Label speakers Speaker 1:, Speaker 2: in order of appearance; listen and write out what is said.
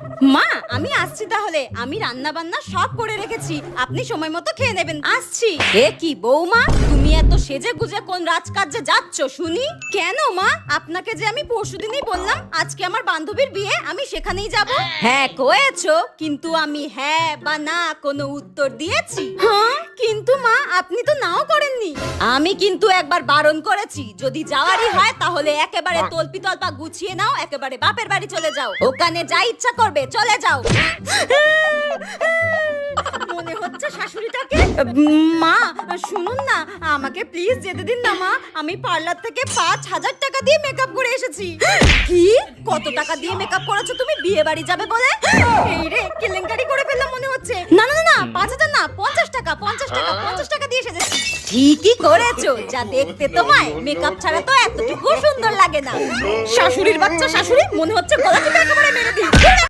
Speaker 1: মা আমি আসছি তাহলে, আমি রান্না বান্না সব করে রেখেছি, আপনি সময় মতো খেয়ে নেবেন। আসছি। এ কি বৌমা, তুমি এত সেজে গুজে কোন রাজকার্যে যাচ্ছ শুনি? কেন মা, আপনাকে যে আমি পরশুদিনই বললাম আজকে আমার বান্ধবীর বিয়ে, আমি সেখানেই যাব। হ্যাঁ কয়েছো, কিন্তু আমি হ্যাঁ বা না কোনো উত্তর দিয়েছি? হ্যাঁ, কিন্তু মা আপনি তো নাও করেননি। আমি কিন্তু একবার বারণ করেছি, যদি যাওয়ারই হয় তাহলে একেবারে তলপি তলপা গুছিয়ে নাও, একেবারে বাপের বাড়ি চলে যাও, ওখানে যা ইচ্ছা করবে চলে যাও। মনে হচ্ছে শাশুড়িটাকে। মা শুনুন না, আমাকে প্লিজ যেতে দিন না মা, আমি পার্লার থেকে 5,000 টাকা দিয়ে মেকআপ করে এসেছি। কি, কত টাকা দিয়ে মেকআপ করেছো তুমি বিয়ে বাড়ি যাবে বলে? এই রে, কেলেঙ্কারি করে ফেললাম মনে হচ্ছে। না না না, 5,000 না, 50 টাকা, 50 টাকা, 50 টাকা দিয়ে এসেছি। ঠিকই করেছো, যা দেখতে তোমায় মেকআপ ছাড়া তো এতটুকু সুন্দর লাগে না। শাশুড়ির বাচ্চা শাশুড়ি, মনে হচ্ছে গলা টিপে একেবারে মেরে দিই।